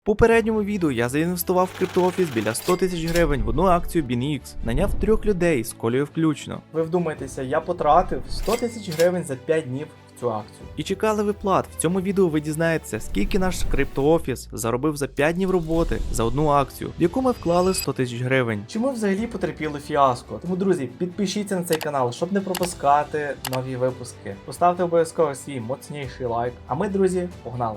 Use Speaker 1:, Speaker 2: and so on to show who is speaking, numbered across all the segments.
Speaker 1: В попередньому відео я заінвестував в криптоофіс біля 100 тисяч гривень в одну акцію BNX, наняв 3 людей з Колею включно.
Speaker 2: Ви вдумайтеся, я потратив 100 тисяч гривень за 5 днів в цю акцію.
Speaker 1: І чекали виплат. В цьому відео ви дізнаєтеся, скільки наш криптоофіс заробив за 5 днів роботи за одну акцію, в яку ми вклали 100 тисяч гривень.
Speaker 2: Чи ми взагалі потерпіли фіаско? Тому, друзі, підпишіться на цей канал, щоб не пропускати нові випуски. Поставте обов'язково свій моцніший лайк. А ми, друзі, погнали!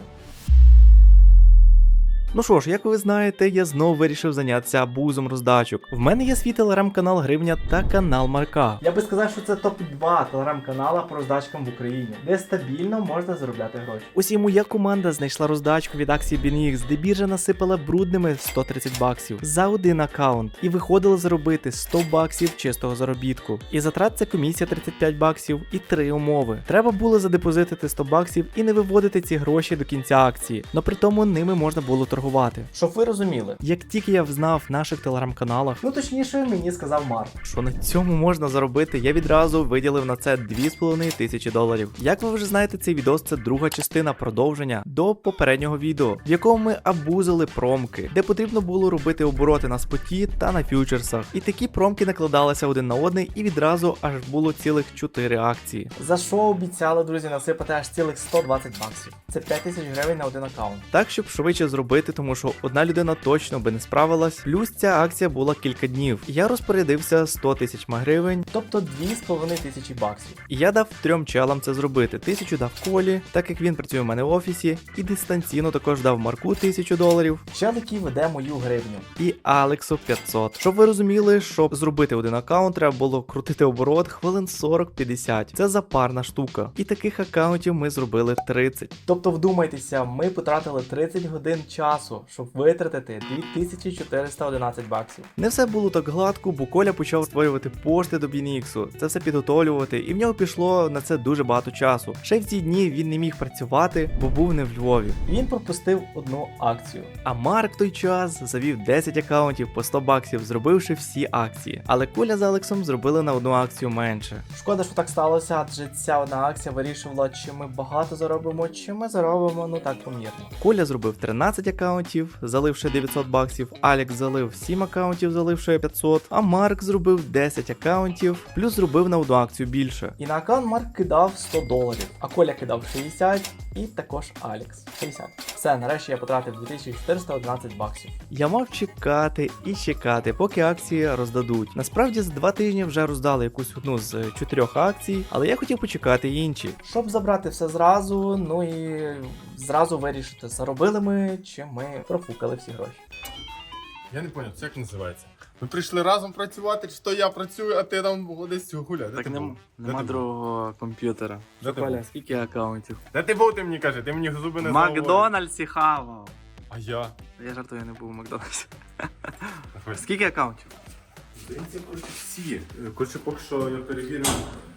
Speaker 1: Ну що ж, як ви знаєте, я знову вирішив зайнятися абузом роздачок. В мене є свій телеграм-канал Гривня та канал Марка.
Speaker 2: Я би сказав, що це топ-2 телеграм-канала по роздачкам в Україні, де стабільно можна заробляти гроші.
Speaker 1: Ось і моя команда знайшла роздачку від акції BNX, де біржа насипала брудними 130 баксів за один аккаунт і виходило заробити 100 баксів чистого заробітку. І затрат це комісія 35 баксів і 3 умови. Треба було задепозитити 100 баксів і не виводити ці гроші до кінця акції, но при тому ними можна було торгувати.
Speaker 2: Щоб ви розуміли.
Speaker 1: Як тільки я взнав в наших телеграм-каналах,
Speaker 2: Ну точніше, мені сказав Марк.
Speaker 1: що на цьому можна заробити, я відразу виділив на це 2,5 тисячі доларів. Як ви вже знаєте, цей відос це друга частина продовження до попереднього відео, в якому ми абузили промки, де потрібно було робити обороти на споті та на фьючерсах. І такі промки накладалися один на одний, і відразу аж було цілих 4 акції.
Speaker 2: За що обіцяли, друзі, насипати аж цілих 120 баксів. Це 5 тисяч гривень на один аккаунт.
Speaker 1: Так, щоб швидше зробити, тому що одна людина точно би не справилась, плюс ця акція була кілька днів. Я розпорядився 100 тисяч гривень,
Speaker 2: Тобто 2,5 тисячі баксів.
Speaker 1: і я дав 3 челам це зробити. 1000 дав Колі, так як він працює в мене в офісі, і дистанційно також дав Марку 1000 доларів,
Speaker 2: Чел, який веде мою гривню.
Speaker 1: і Алексу 500. Щоб ви розуміли, щоб зробити один аккаунт, треба було крутити оборот хвилин 40-50. Це запарна штука. І таких аккаунтів ми зробили 30.
Speaker 2: Тобто, вдумайтеся, ми потратили 30 годин часу, щоб витратити 2411 баксів.
Speaker 1: Не все було так гладко, бо Коля почав створювати пошти до BNX, це все підготовлювати, і в нього пішло на це дуже багато часу. Ще в ці дні він не міг працювати, бо був не в Львові.
Speaker 2: Він пропустив одну акцію.
Speaker 1: А Марк в той час завів 10 аккаунтів по 100 баксів, зробивши всі акції. Але Коля з Алексом зробили на одну акцію менше.
Speaker 2: Шкода, що так сталося, адже ця одна акція вирішувала, чи ми багато заробимо, чи ми заробимо, ну так, помірно.
Speaker 1: Коля зробив 13 аккаунтів, заливши 900 баксів, Алекс залив 7 аккаунтів, заливши 500, а Марк зробив 10 аккаунтів, плюс зробив на одну акцію більше.
Speaker 2: І на аккаунт Марк кидав 100 доларів, а Коля кидав 60 і також Алекс 60. Все, нарешті я потратив 2411 баксів.
Speaker 1: Я мав чекати і чекати, поки акції роздадуть. Насправді за 2 тижні вже роздали якусь одну з 4 акцій, але я хотів почекати інші.
Speaker 2: Щоб забрати все зразу, ну і зразу вирішити, заробили ми чи ми профукали всі гроші.
Speaker 3: Я не зрозумів, це як називається? Ми прийшли разом працювати, чи то я працюю, а ти там десь гуляй. Де ти був?
Speaker 1: нема
Speaker 3: ти
Speaker 1: другого комп'ютера.
Speaker 3: Де ти був?
Speaker 1: Скільки аккаунтів?
Speaker 3: Де ти був, ти мені кажи, ти мені зуби не заговорив.
Speaker 1: Макдональдсі хавав.
Speaker 3: А я?
Speaker 1: Я жартую, я не був у Макдональдсі.
Speaker 3: Давай.
Speaker 1: Скільки аккаунтів?
Speaker 3: Здається, всі. Коротше, поки що я перевірив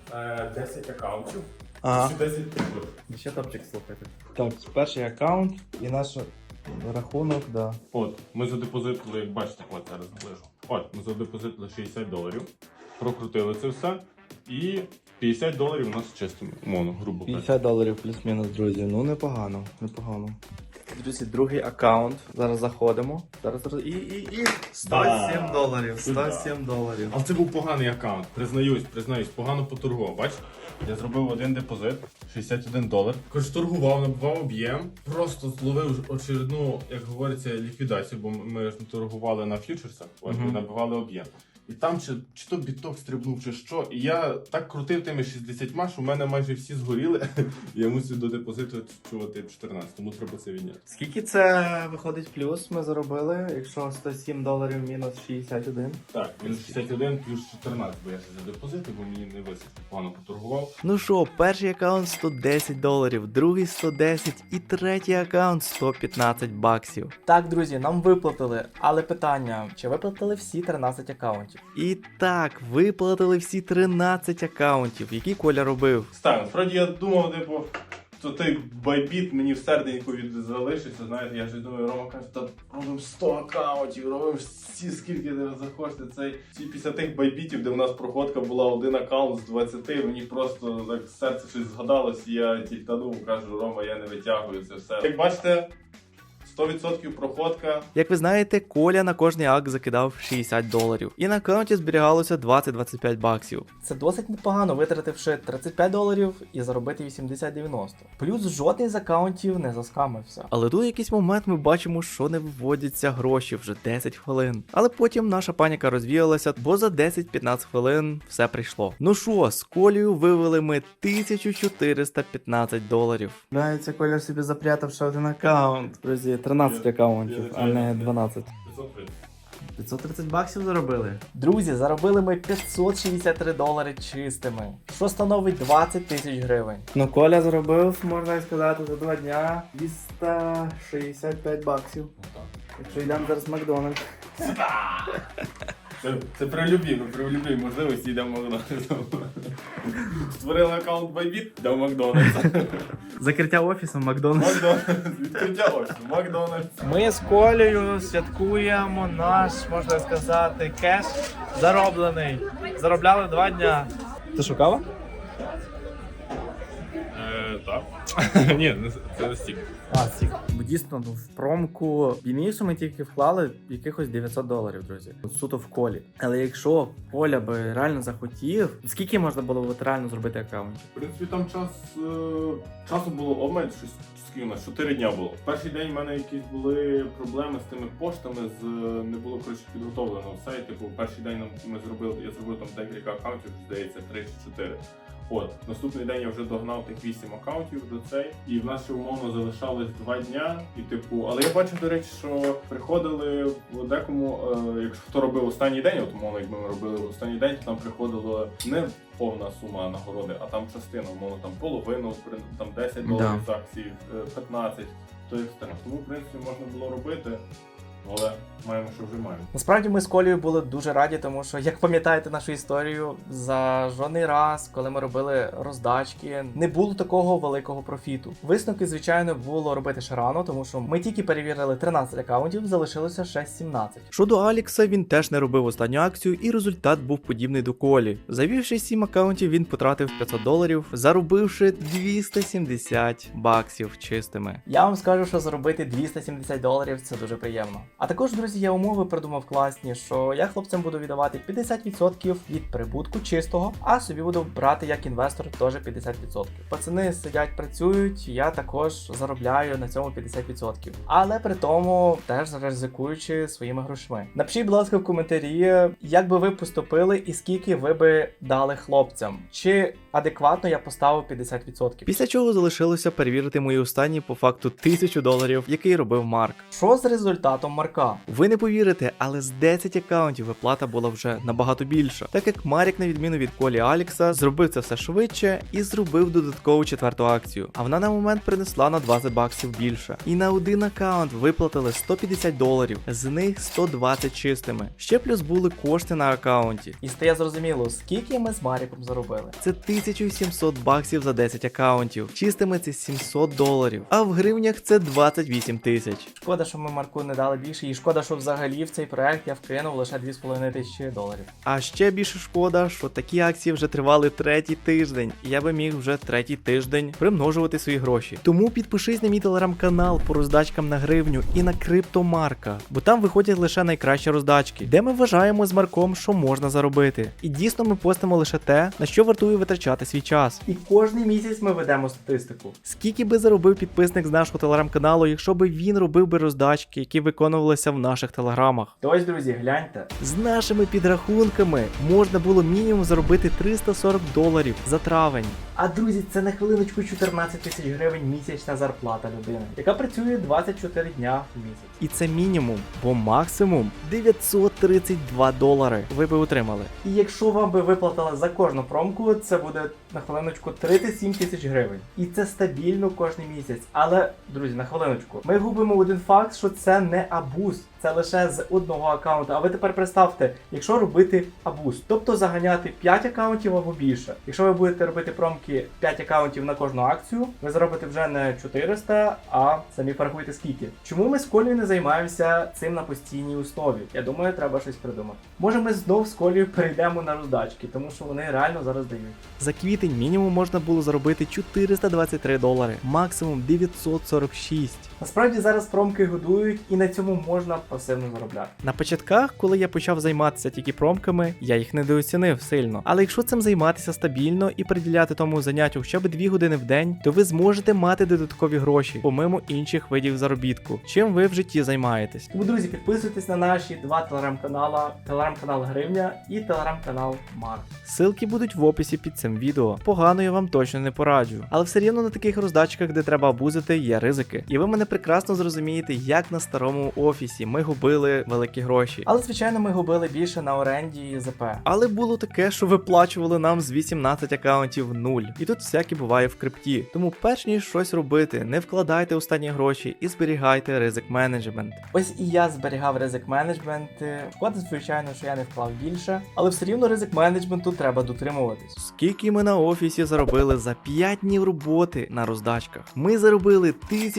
Speaker 3: 10 аккаунтів.
Speaker 1: Ага.
Speaker 3: Ще 10 прибув.
Speaker 2: Ще топчик слухайте. Так, перший аккаунт і наш рахунок, да.
Speaker 3: От, ми задепозитили, як бачите, от зараз наближу. От, ми задепозитили 60 доларів, прокрутили це все, і 50 доларів у нас чистими, умовно, грубо кажучи.
Speaker 2: 50 доларів плюс-мінус, друзі. Ну непогано, непогано. Друзі, другий аккаунт. Зараз заходимо. Зараз і 107 доларів. 107 доларів.
Speaker 3: Але це був поганий аккаунт, признаюсь, погано поторгував. Бач, я зробив один депозит, 61 долар. Коротше, торгував, набивав об'єм, просто зловив очередну, як говориться, ліквідацію, бо ми ж не торгували на фьючерсах, от ми набивали об'єм. І там чи то біток стрибнув, чи що. І я так крутив тими 60, що в мене майже всі згоріли. Я мусив до депозиту чувати 14, тому треба це відняти.
Speaker 2: Скільки це виходить плюс ми заробили, якщо 107 доларів мінус 61?
Speaker 3: Так, мінус 61 плюс 14, бо я ще за депозити, бо мені не висить, погано поторгував.
Speaker 1: Ну що, перший аккаунт 110 доларів, другий 110 і третій аккаунт 115 баксів.
Speaker 2: Так, друзі, нам виплатили, але питання, чи виплатили всі 13 аккаунтів?
Speaker 1: І так, виплатили всі 13 аккаунтів, які Коля робив.
Speaker 3: Так, насправді я думав, типу, то той байбіт мені в серденьку залишиться, знаєте, я ж думаю, Рома каже, та робимо 100 аккаунтів, робимо всі, скільки не захочете, ці після тих байбітів, де в нас проходка була один аккаунт з 20, мені просто так серце щось згадалось, і я тільтанув, кажу, Рома, я не витягую це все. Як бачите, 100% проходка.
Speaker 1: Як ви знаєте, Коля на кожний акт закидав $60. І на аккаунті зберігалося 20-25 баксів. Це досить непогано, витративши $35 і заробити 80-90. Плюс жодний з аккаунтів не заскамився. Але тут в якийсь момент ми бачимо, що не виводяться гроші вже 10 хвилин. Але потім наша паніка розвіялася, бо за 10-15 хвилин все прийшло. Ну що, з Колею вивели ми $1415.
Speaker 2: Це Коля собі запрятав ще один аккаунт. Друзі, 13 аккаунтів, а не 12.
Speaker 3: 530.
Speaker 2: 530 баксів заробили.
Speaker 1: Друзі, заробили ми $563 чистими, що становить 20 тисяч гривень.
Speaker 2: Ну, Коля заробив, можна сказати, за 2 дня 265 баксів. Якщо йдемо зараз в Макдональдс.
Speaker 3: Це при любій можливості йдемо в Макдональдс. Створили аккаунт Bybit, йдемо в Макдональдс.
Speaker 2: Закриття офісу в Макдональдс.
Speaker 3: Відкриття офісу, Макдональдс.
Speaker 2: Ми з Колею святкуємо наш, можна сказати, кеш зароблений. Заробляли 2 дня. Ти шукала?
Speaker 3: Так. Ні, це стік.
Speaker 2: Стік. Бо дійсно в промку більніше ми тільки вклали якихось $900, друзі. Суто в Колі. Але якщо Коля би реально захотів, скільки можна було б реально зробити аккаунтів?
Speaker 3: В принципі, там часу було обмаль, щось скільки у нас, 4 дня було. В перший день в мене якісь були проблеми з тими поштами, не було, коротше, підготовлено все. Типу, перший день я зробив там декілька аккаунтів, здається, 3 чи 4. От, наступний день я вже догнав тих 8 аккаунтів до цей, і в нас ще умовно залишалось 2 дня. І типу, але я бачив, до речі, що приходили в декому, якщо хто робив останній день, от умовно, якби ми робили останній день, то там приходило не повна сума нагороди, а там частина, умовно, там половину, там $10 з акцій, 15, то екстрем. Тому, в принципі, можна було робити. Але маємо, що вже маємо.
Speaker 1: Насправді ми з Колею були дуже раді, тому що, як пам'ятаєте нашу історію, за жодний раз, коли ми робили роздачки, не було такого великого профіту. Висновки, звичайно, було робити ще рано, тому що ми тільки перевірили 13 аккаунтів, залишилося ще 17. Щодо Алікса, він теж не робив останню акцію, і результат був подібний до Колі. Завівши 7 аккаунтів, він потратив $500, заробивши 270 баксів чистими. Я вам скажу, що заробити $270 це дуже приємно. А також, друзі, я умови придумав класні, що я хлопцям буду віддавати 50% від прибутку чистого, а собі буду брати як інвестор теж 50%. Пацани сидять, працюють, я також заробляю на цьому 50%. Але при тому теж ризикуючи своїми грошми. Напишіть, будь ласка, в коментарі, як би ви поступили і скільки ви би дали хлопцям. Чи адекватно я поставив 50%. Після чого залишилося перевірити мої останні по факту $1000, який робив Марк. Що з результатом Марка? Ви не повірите, але з 10 аккаунтів виплата була вже набагато більша, так як Марік, на відміну від Колі Алікса, зробив це все швидше і зробив додаткову 4-ту акцію. А вона на момент принесла на 20 баксів більше. І на один аккаунт виплатили $150, з них 120 чистими. Ще плюс були кошти на аккаунті. І стає зрозуміло, скільки ми з Маріком заробили. Це 1700 баксів за 10 аккаунтів. Чистими це $700, а в гривнях це 28 тисяч. Шкода, що ми Марку не дали більше, і шкода, що взагалі в цей проект я вкинув лише $2500. А ще більше шкода, що такі акції вже тривали 3-й тиждень, і я би міг вже 3-й тиждень примножувати свої гроші. Тому підпишись на мій телеграм-канал по роздачкам на гривню і на криптомарка, бо там виходять лише найкращі роздачки, де ми вважаємо з Марком, що можна заробити. І дійсно ми постимо лише те, на що вартує витрачати свій час. І кожний місяць ми ведемо статистику. Скільки би заробив підписник з нашого телеграм-каналу, якщо би він робив би роздачки, які виконувалися в наших телеграмах. То ось, друзі, гляньте. З нашими підрахунками можна було мінімум заробити $340 за травень. А, друзі, це на хвилиночку 14 тисяч гривень місячна зарплата людини, яка працює 24 дня в місяць. І це мінімум, бо максимум $932 ви би отримали. І якщо вам би виплатили за кожну промку, це буде на хвилиночку 37 тисяч гривень. І це стабільно кожен місяць. Але, друзі, на хвилиночку, ми губимо один факт, що це не абуз.
Speaker 2: це лише з одного аккаунту. А ви тепер представте, якщо робити абуз, тобто заганяти 5 аккаунтів або більше. Якщо ви будете робити промки 5 аккаунтів на кожну акцію, ви заробите вже не 400, а самі порахуйте скільки. Чому ми з Колею не займаємося цим на постійній основі? Я думаю, треба щось придумати. Може ми знов з Колею перейдемо на роздачки, тому що вони реально зараз дають.
Speaker 1: За квітень мінімум можна було заробити $423, максимум 946.
Speaker 2: Насправді зараз промки годують і на цьому можна пасивно заробляти.
Speaker 1: На початках, коли я почав займатися тільки промками, я їх недооцінив сильно. Але якщо цим займатися стабільно і приділяти тому заняттю хоча б 2 години в день, то ви зможете мати додаткові гроші, помимо інших видів заробітку, чим ви в житті займаєтесь.
Speaker 2: Тому, друзі, підписуйтесь на наші 2 телеграм-канала, телеграм-канал Гривня і телеграм-канал Марк.
Speaker 1: Ссылки будуть в описі під цим відео. Погано я вам точно не пораджу. Але все рівно на таких роздачках, де треба абузити, є ризики. І ви мене прекрасно зрозумієте, як на старому офісі ми губили великі гроші.
Speaker 2: Але, звичайно, ми губили більше на оренді і ЗП.
Speaker 1: Але було таке, що виплачували нам з 18 аккаунтів 0. І тут всяке буває в крипті. Тому перш ніж щось робити, не вкладайте останні гроші і зберігайте ризик менеджмент.
Speaker 2: Ось і я зберігав ризик менеджмент. Шкода, звичайно, що я не вклав більше, але все рівно ризик менеджменту треба дотримуватись.
Speaker 1: Скільки ми на офісі заробили за 5 днів роботи на роздачках? Ми заробили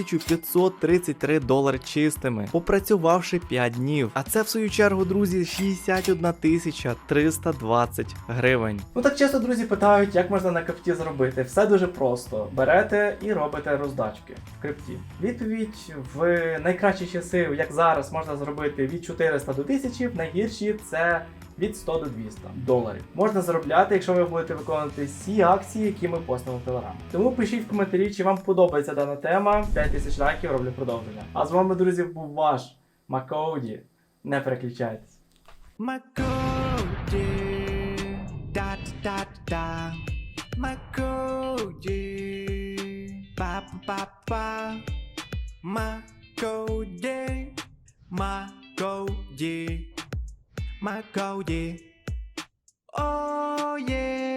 Speaker 1: $1533 чистими, попрацювавши 5 днів. А це в свою чергу, друзі, 61 320 гривень.
Speaker 2: Ну так часто друзі питають, як можна на крипті заробити. Все дуже просто. Берете і робите роздачки в крипті. Відповідь: в найкращі часи, як зараз, можна зробити від 400 до 1000, в найгірші це від 100 до 200 доларів. Можна заробляти, якщо ви будете виконувати всі акції, які ми постимо в Телеграм. Тому пишіть в коментарі, чи вам подобається дана тема. 5000 лайків, роблю продовження. А з вами, друзі, був ваш Макоуді. Не переключайтесь.
Speaker 1: Макоуді, да-да-да-да, Макоуді, па-па-па, Макоуді, Макоуді, Макоуді, oh yeah.